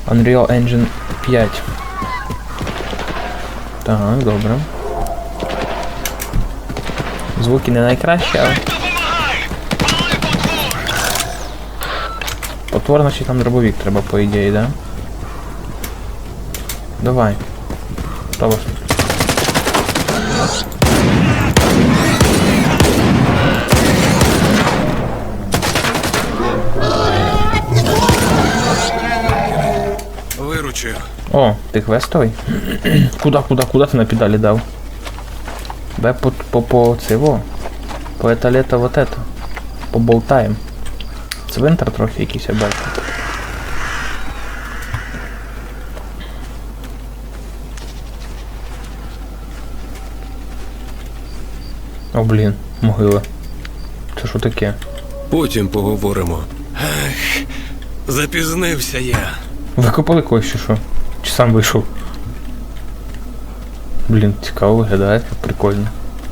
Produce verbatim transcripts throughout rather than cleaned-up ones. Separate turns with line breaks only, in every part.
Unreal Engine п'ять. Так, добре. Звуки не найкращі, але... Потворно, чи там дробовик треба, по ідеї, да? Давай. Що вас?
Виручив.
О, ти квестовий? Куда, куда, куда ти на педалі дав? Бе по, по, по цього. По еталета вот это. Поболтаєм. Цвинтар трохи якийсь, я бачу. О, блін, могила. Це що таке?
Потім поговоримо. Ех, запізнився я.
Викопали когось чи що? Чи сам вийшов? Блін, цікаво виглядає, прикольно.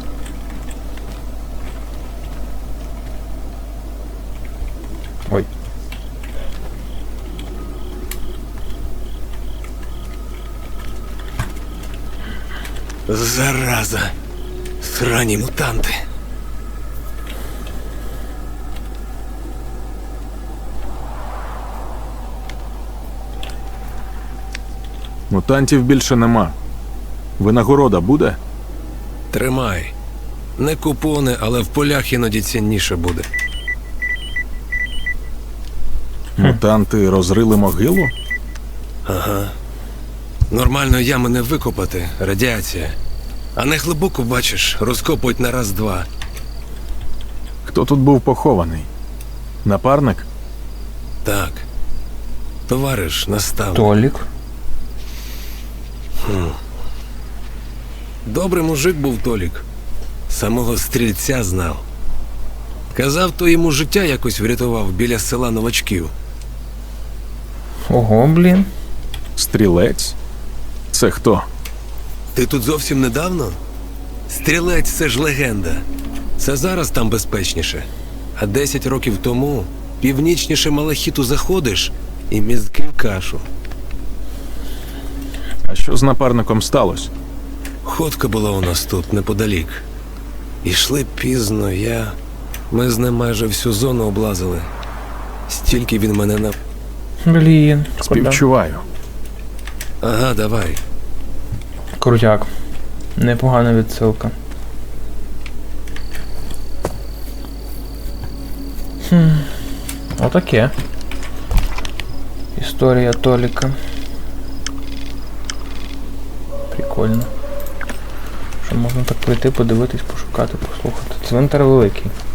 Ой.
Зараза. Срані мутанти.
Мутантів більше нема. Винагорода буде?
Тримай. Не купони, але в полях іноді цінніше буде.
Мутанти розрили могилу?
Ага. Нормально ями не викопати, радіація. А не глибоко, бачиш, розкопують на раз-два.
Хто тут був похований? Напарник?
Так. Товариш, наставник.
Толік.
Добрий мужик був Толік. Самого стрільця знав. Казав, то йому життя якось врятував біля села Новачків.
Ого, блін.
Стрілець? Це хто?
Ти тут зовсім недавно? Стрілець – це ж легенда. Це зараз там безпечніше. А десять років тому північніше Малахіту заходиш і мізки в кашу.
А що з напарником сталося?
Ходка була у нас тут, неподалік. Ішли пізно, я... Ми з ним майже всю зону облазили. Стільки він мене на...
Блін. шкода.
Співчуваю.
Ага, давай.
Крутяк. Непогана відсилка. Хм. Отаке. Історія Толіка. Прикольно. Що можна так прийти, подивитись, пошукати, послухати. Цвинтар великий.